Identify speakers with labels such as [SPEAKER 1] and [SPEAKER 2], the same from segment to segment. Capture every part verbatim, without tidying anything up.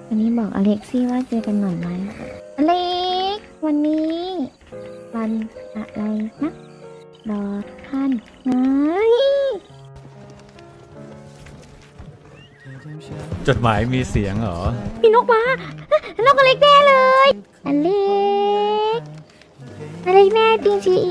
[SPEAKER 1] วันนี้บอกอเล็กซี่ว่าเจอกันหน่อยไหมอเล็กวันนี้ วันอะไรนะรอท่านไง
[SPEAKER 2] จดหมายมีเสียงเหรอ
[SPEAKER 1] มีนกมานกอเล็กแน่เลยอเล็กอเล็กแน่จริงจี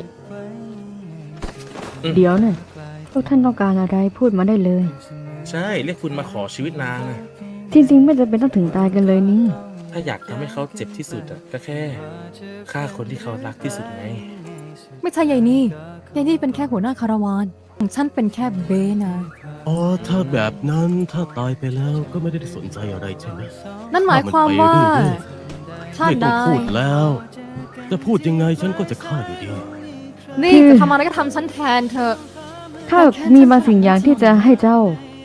[SPEAKER 1] เดี๋ยวหน่อยพวกท่านต้องการอะไรพูดมาได้เลย
[SPEAKER 3] ใช่เรียกคุณมาขอชีวิตนางอะ
[SPEAKER 1] จริงๆไม่จำเป็นต้องถึงตายกันเลยนี่
[SPEAKER 3] ถ้าอยากทำให้เขาเจ็บที่สุดอะก็แค่ฆ่าคนที่เขารักที่สุดไง
[SPEAKER 4] ไม่ใช่ยายนี่ยายนี่เป็นแค่หัวหน้าคาราวานของฉันเป็นแค่เบนะ
[SPEAKER 5] อ๋อถ้าแบบนั้นถ้าตายไปแล้วก็ไม่ได้สนใจอะไรใช่ไหม
[SPEAKER 4] นั่นหมายความว่า
[SPEAKER 5] ชาติใดไม่ต้องพูดแล้วจะพูดยังไงฉันก็จะฆ่าอยู่ดี
[SPEAKER 4] นี่จะทำอะไรก็ทำฉันแทนเธอ
[SPEAKER 1] ข้ามีบางสิ่งอย่างที่จะให้เจ้า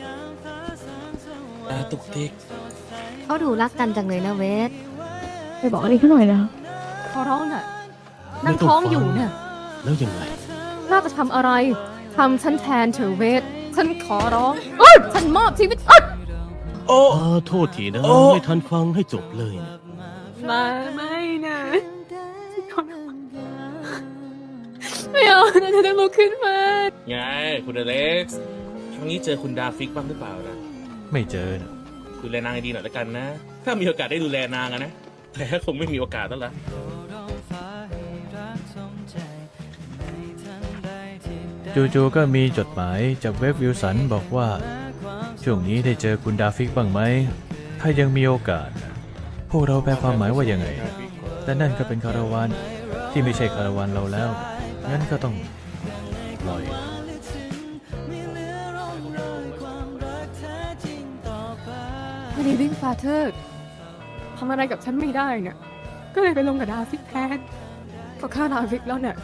[SPEAKER 3] ตาตุกติก
[SPEAKER 6] เขาดูรักกันจังเลยนะเวท
[SPEAKER 1] ไปบอกอะไรเขาหน่อยนะ
[SPEAKER 4] ขอร้องน่ะนั่งท้องอยู่เนี่ย
[SPEAKER 5] แล้วยังไง
[SPEAKER 4] น่าจะทำอะไรทำฉันแทนเธอเวทฉันขอร้องฉันมอบชีวิต
[SPEAKER 3] โอ้
[SPEAKER 5] โทษทีนะไม่ทันฟังให้จบเลย
[SPEAKER 4] มาไม่นะไม่เอานะเธอต้องลุกขึ้นมา
[SPEAKER 3] ไงคุณอเล็กซ์ครั้งนี้เจอคุณดาฟิกบ้างหรือเปล่านะ
[SPEAKER 2] ไม่เจอนะ
[SPEAKER 3] ดูแลนางดีหน่อยแล้วกันนะถ้ามีโอกาสได้ดูแลนางอะนะแต่คงไม่มีโอกาสแล้วล่ะ
[SPEAKER 2] จู่ๆก็มีจดหมายจากเว็บวิลสันบอกว่าช่วงนี้ได้เจอคุณดาฟิกบ้างไหมถ้ายังมีโอกาสพวกเราแปลความหมายว่ายังไงแต่นั่นก็เป็นคาราวานที่ไม่ใช่คาราวานเราแล้วงั้นก็ต้องปล่อย
[SPEAKER 4] วันนี้วิ่งฟาเธอร์ทำอะไรกับฉันไม่ได้เนี่ยก็เลยไปลงกับดาฟิกแทนก็ฆ่าดาฟิกแล้วเนี่ย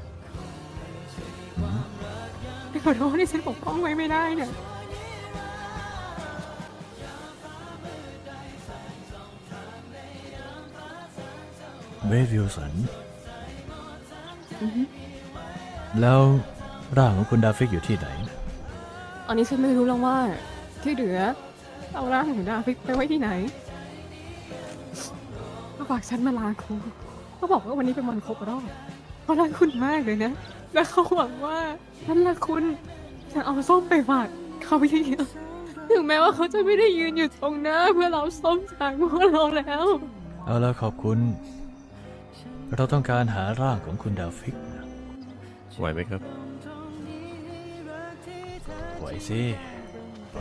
[SPEAKER 4] ขอโทษที่ฉันปกป้องไว้ไม่ได้เนี่ย
[SPEAKER 2] เววิลสันแล้วร่างของคุณดาฟิกอยู่ที่ไหน
[SPEAKER 4] อันนี้ฉันไม่รู้แล้วว่าที่เหลือเอาร่างของดาฟิกไปไว้ที่ไหนก็ฝากฉันมาลาคุณเขาบอกว่าวันนี้เป็นวันครบรอบเขารักคุณมากเลยนะและเขาหวังว่าฉันรักคุณฉันเอาส้มไปฝากเขาเยอะๆถึงแม้ว่าเขาจะไม่ได้ยืนอยู่ตรงหน้าเพื่อเราส้มจากพวกเราแล้ว
[SPEAKER 2] เอาละขอบคุณเราต้องการหาร่างของคุณดาฟิก
[SPEAKER 5] ไหวไหมครับ
[SPEAKER 2] ไหวสิไหว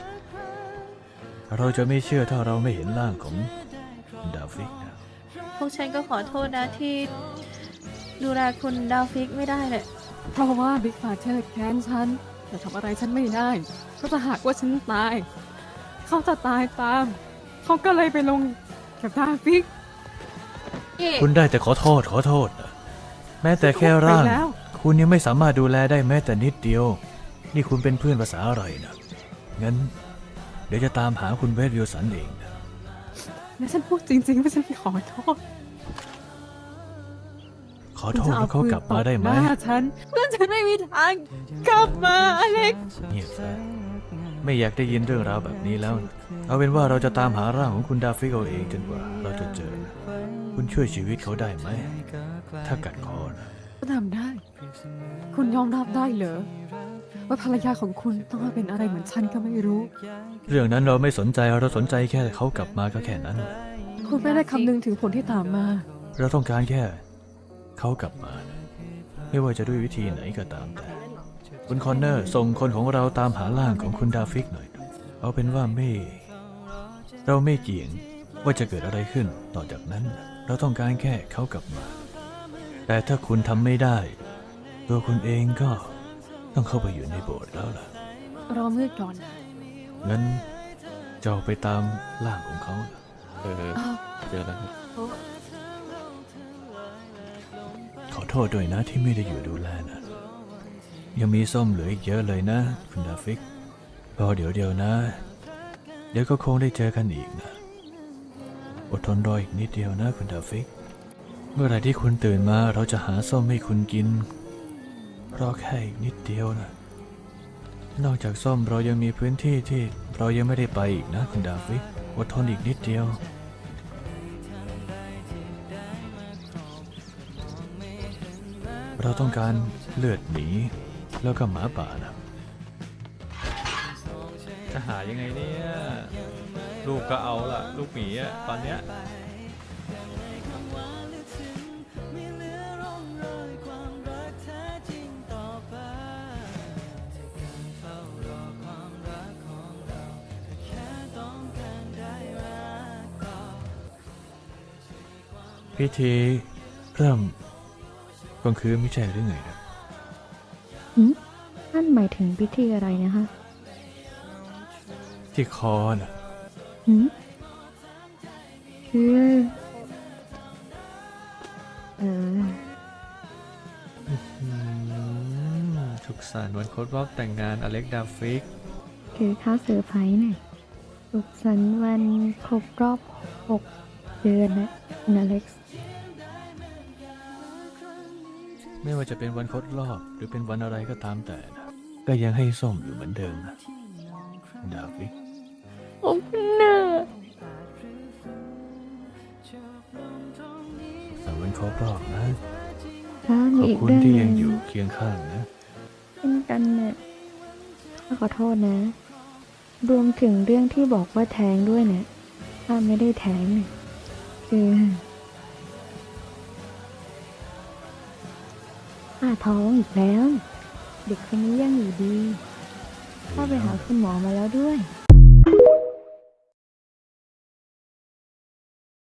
[SPEAKER 2] เราจะไม่เชื่อถ้าเราไม่เห็นร่างของดาฟิกนะ
[SPEAKER 6] พวกฉันก็ขอโทษนะที่ดูแลคุณดาฟิกไม่ได้เลย
[SPEAKER 4] เพราะว่าบิ๊กฟาเธอร์แค้นฉันแต่ทำอะไรฉันไม่ได้ก็จะหากว่าฉันตายเขาจะตายตามเขาก็เลยไปลงกับดาฟิก
[SPEAKER 2] คุณได้แต่ขอโทษขอโทษแม้แต่แค่ร่างคุณยังไม่สามารถดูแลได้แม้แต่นิดเดียวนี่คุณเป็นเพื่อนภาษาอะไรนะงั้นเดี๋ยวจะตามหาคุณเวทวิลสันเองนะ
[SPEAKER 4] แล้วฉันพูดจริงๆว่าฉันขอโทษ
[SPEAKER 2] ขอโทษแล้วเขากลับมาได้ไหม
[SPEAKER 4] ฉันเพื่อนฉันไม่มีทางกลับมาอเล็ก
[SPEAKER 2] เงียบซะไม่อยากได้ยินเรื่องราวแบบนี้แล้วเอาเป็นว่าเราจะตามหาร่างของคุณดาฟิกเอาเองจนกว่าเราจะเจอคุณช่วยชีวิตเขาได้ไหมถ้ากัดคอนะ
[SPEAKER 4] ทำได้คุณยอมรับได้เหรอว่าภรรยาของคุณต้องมาเป็นอะไรเหมือนฉันก็ไม่รู้
[SPEAKER 2] เรื่องนั้นเราไม่สนใจเราสนใจแค่เขากลับมาก็แค่นั้น
[SPEAKER 4] คุณไม่ได้คำนึงถึงผลที่ตามมา
[SPEAKER 2] เราต้องการแค่เขากลับมาไม่ว่าจะด้วยวิธีไหนก็ตามแต่คุณคอนเนอร์ส่งคนของเราตามหาร่างของคุณดาฟิกหน่อยเอาเป็นว่าไม่เราไม่เกี่ยงว่าจะเกิดอะไรขึ้นต่อจากนั้นเราต้องการแค่เขากลับมาแต่ถ้าคุณทำไม่ได้ตัวคุณเองก็ต้องเข้าไปอยู่ในโบสถ์แล้วล่ะ
[SPEAKER 4] รอมืดก่อน
[SPEAKER 2] งั้นจะไปตามร่างของเขา
[SPEAKER 5] เออเจอแล้วครับ
[SPEAKER 2] ขอโทษด้วยนะที่ไม่ได้อยู่ดูแลนะยังมีส้มเหลืออีกเยอะเลยนะคุณดาฟิกรอเดี๋ยวเดียวนะเดี๋ยวก็คงได้เจอกันอีกนะอดทนรออีกนิดเดียวนะคุณดาฟิกเมื่อไหร่ที่คุณตื่นมาเราจะหาส้มให้คุณกินรอแค่อีกนิดเดียวนะนอกจากส้มเรายังมีพื้นที่ที่เรายังไม่ได้ไปอีกนะคุณดาฟิกอดทนอีกนิดเดียว เราต้องการเลือดหมีแล้วก็หมาป่านะจะหายังไงเนี่ย ลูกก็เอาล่ะ ลูกหมีอะตอนเนี้ยพิธีเริ่มกลางคืนไม่ใช่หรือไงนะ
[SPEAKER 1] หืมนั่นหมายถึงพิธีอะไรนะคะ
[SPEAKER 2] ที่คอน่ะ
[SPEAKER 1] หืมคือเออ
[SPEAKER 2] อืมสุขสันต์วันครบรอบแต่งงานอเล็กดาฟิก
[SPEAKER 1] คือข้าวเซอร์ไพรส์เนี่ยสุขสันต์วันครบรอบหกเดือนนะคุณอเล็กซ์
[SPEAKER 2] ไม่ว่าจะเป็นวันครบรอบหรือเป็นวันอะไรก็ตามแต่นะก็ยังให้ส้มอยู่เหมือนเดิมนะดาฟิก
[SPEAKER 1] โอ้เนอ
[SPEAKER 2] แต่วันครบรอบนะ
[SPEAKER 1] ถ้า
[SPEAKER 2] ข
[SPEAKER 1] มี
[SPEAKER 2] อบ
[SPEAKER 1] อีก
[SPEAKER 2] คุณ
[SPEAKER 1] เรื่อง
[SPEAKER 2] ที่
[SPEAKER 1] ห
[SPEAKER 2] ยั
[SPEAKER 1] นึ่
[SPEAKER 2] ง
[SPEAKER 1] ง
[SPEAKER 2] อยู่เคียงข้างนะ
[SPEAKER 1] เช่นกันเนี่ยข้าขอโทษนะ รวมถึงเรื่องที่บอกว่าแท้งด้วยเนี่ยถ้าไม่ได้แท้งเนี่ยคือข้าท้องอีกแล้ว เด็กคนนี้ยังอยู่ดีข้าไปหาคุณหมอมาแล้วด้วย